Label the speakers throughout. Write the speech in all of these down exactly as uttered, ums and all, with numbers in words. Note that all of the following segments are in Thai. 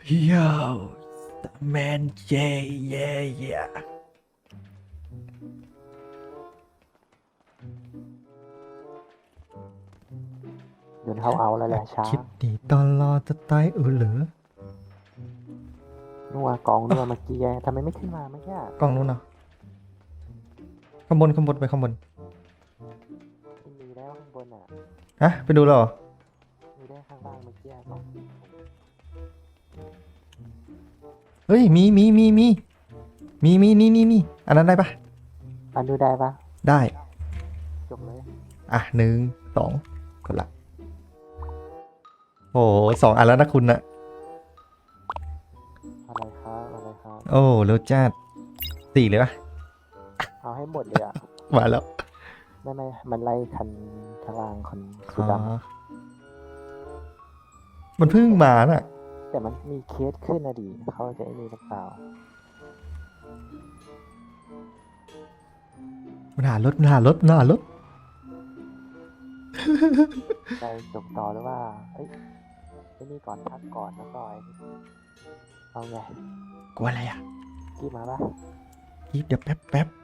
Speaker 1: Yo, the man, yeah, yeah, yeah.
Speaker 2: โดนเขาเอาแล้วแหละช้า
Speaker 1: คิดดีตอนรอจะตายเออเหรอ
Speaker 2: นัวกองนัวเมื่อกี้ไงทำไมไม่ขึ้นมาเมื่อกี้
Speaker 1: กล้องนู้นเนาะข้างบนข้างบนไปข้างบน
Speaker 2: ไม่มีแล้วข้างบนอ่ะ
Speaker 1: ฮะไปดูแล้วเหรอ
Speaker 2: มีได้ข้างล่างเมื่อกี้กอง
Speaker 1: เฮ้ยมีมีมีมีมีมีนี่นี่นี่อันนั้นได้ปะ
Speaker 2: อันดูได้ปะ
Speaker 1: ได้
Speaker 2: จบเลย
Speaker 1: อ่ะหนึ่งสองกดละโอ้โหสองอันแล้วนะคุณนะ
Speaker 2: อะไรครับอะไรครับ
Speaker 1: โอ้เร็วจ้าสี่เลยปะ
Speaker 2: เอาให้หมดเลยอ่ะ
Speaker 1: มาแล้ว
Speaker 2: ไม่ไม่มันไล่คันข้างล่างคนสี
Speaker 1: อ๋อ
Speaker 2: ด
Speaker 1: มันเพิ่งมาน่ะ
Speaker 2: ำแต่มันมีเคสขึ้นนะดิเขาจะไอ้นี่หรือเปล่า
Speaker 1: มันหารถมันหารถมันหารถ
Speaker 2: ใจจบต่อหรือว่าเอ้ยไอ้นี่ก่อนพักก่อนแล้วก็ไอ้นี่เอาไง
Speaker 1: กลัวอะไรอ่ะ
Speaker 2: กี้มาปะ
Speaker 1: อีฟเดี๋ยวแป๊บแป๊บ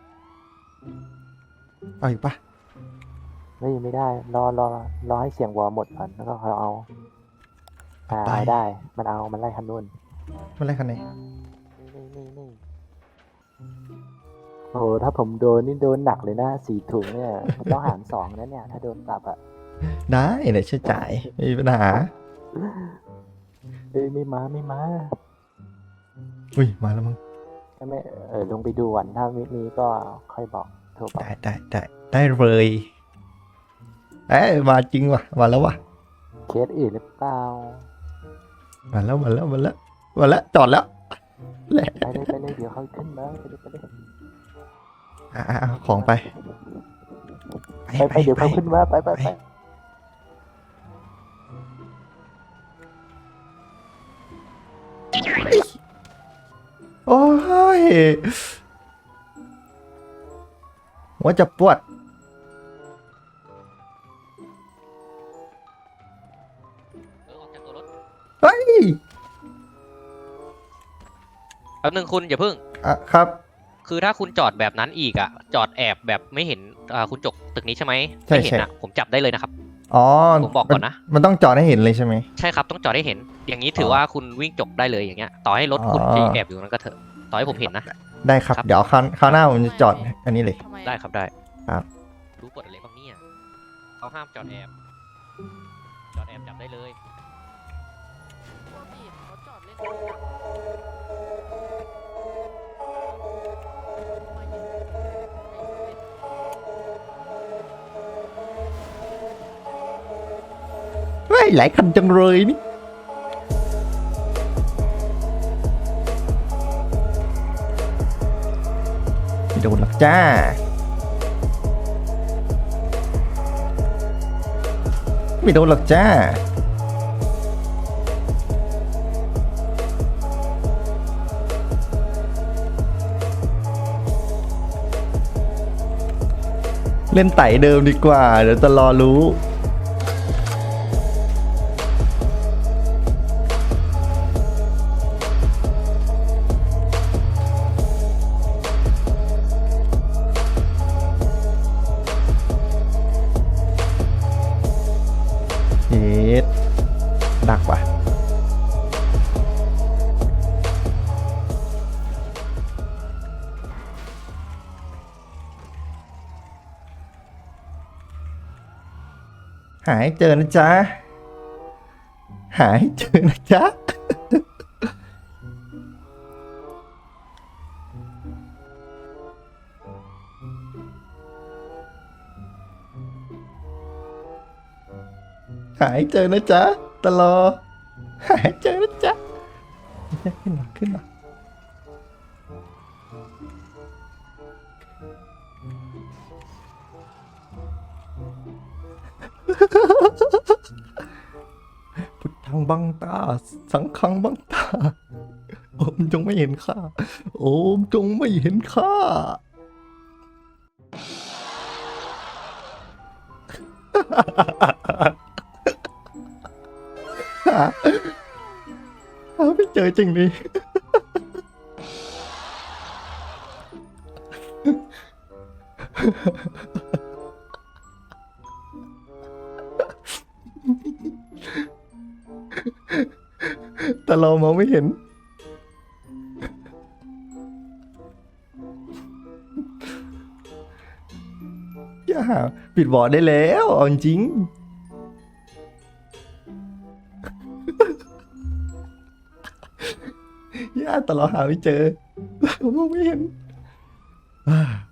Speaker 1: เอาอีกปะ
Speaker 2: ไม่ไม่ได้รอรอรอให้เสียงวอลหมดก่อนแล้วก็เขาเอาอ่าเอาได้มันเอามันไล่คันนู้น
Speaker 1: มันอะไรคันไหน
Speaker 2: นี่นี่นี่นี่โอ้โหถ้าผมโดนนี่โดนหนักเลยนะสี่ถุงเนี่ยต้องหารสองนะเนี่ยถ้าโดนปรับอ่ะ
Speaker 1: ได้เดี๋ยวช่วยจ่ายไม่มีปัญหา
Speaker 2: เอ้ยไม่มาไม่มา
Speaker 1: อุ้ยมาแล้วมั้ง
Speaker 2: ไม่ไม่เออลงไปดูก่อนถ้ามีมีก็ค่อยบอกโทรบอก
Speaker 1: ได้ได้ได้ได้เลยเอ้ยมาจริงว่ะมาแล้วว่ะ
Speaker 2: เคสอื่นหรือเปล่า
Speaker 1: มาแล้วมาแล้วมาแล้วมาแล้วจอดแล้วแหละ
Speaker 2: ไปเลยไปเลยเดี๋ยวเขาขึ้นมาไปเลยไปเลย
Speaker 1: อ่ะอ่ะเอาของไป
Speaker 2: ไปไปเดี๋ยวเขาขึ้นมาไปไปไป
Speaker 1: โอ้ยหัวจะปวด
Speaker 3: เออออกจากตัวรถ
Speaker 1: เฮ้ย
Speaker 3: แป๊บนึงคุณอย่าเพิ่ง
Speaker 1: อ่ะครับ
Speaker 3: คือถ้าคุณจอดแบบนั้นอีกอ่ะ จอดแอบแบบไม่เห็นอ่าคุณจกตึกนี้ใช่ไหม
Speaker 1: ใช่
Speaker 3: ไม่เห็น
Speaker 1: ใช่
Speaker 3: อ่ะผมจับได้เลยนะครับ
Speaker 1: อ๋อ
Speaker 3: ผมบอกก่อนนะ
Speaker 1: มัมันต้องจอดให้เห็นเลยใช่ไหม
Speaker 3: ใช่ครับต้องจอดให้เห็น อย่างนี้ถือ
Speaker 1: อ
Speaker 3: ว่าคุณวิ่งจกได้เลยอย่างเงี้ย ต่อให้รถคุณ
Speaker 1: อ๋อ
Speaker 3: จะแอบอยู่ตรงนั้นก็เถอะ ต่อให้ผมเห็นนะ
Speaker 1: ได้ครับ
Speaker 3: ครับ
Speaker 1: เดี๋ยวคราวคราวหน้าผมจะจอดอันนี้เลย
Speaker 4: ทำไม
Speaker 3: ได้ครับได้
Speaker 1: ครับ
Speaker 3: รู้กฎอะไรบ้างเนี่ยเขาห้ามจอดแอบ จอดแอบจับได้เลย
Speaker 4: พวกพี่เขาจอดเล่นกันมายิงไอ้เล่น
Speaker 1: เฮ้ยหลายคันจังเลยนี่ไม่โดนหรอกจ้า ไม่โดนหรอกจ้า เล่นไต่เดิมดีกว่า เดี๋ยวจะรอรู้ เฮ็ดดักว่ะ หายเจอนะจ๊ะ หายเจอนะจ๊ะ หายเจอนะจ๊ะตลอดหายเจอนะจ๊ะขึ้นมาขึ้นมาพุทธังบังตา สังฆังบังตา โอมจงไม่เห็นข้า โอมจงไม่เห็นข้า หาหาไม่เจอเจอจริงดิแต่เรามองไม่เห็นอย่าปิดบอร์ดได้แล้วเอาจริงอย่าแต่เราหาไม่เจอเรามองไม่เห็นอ่า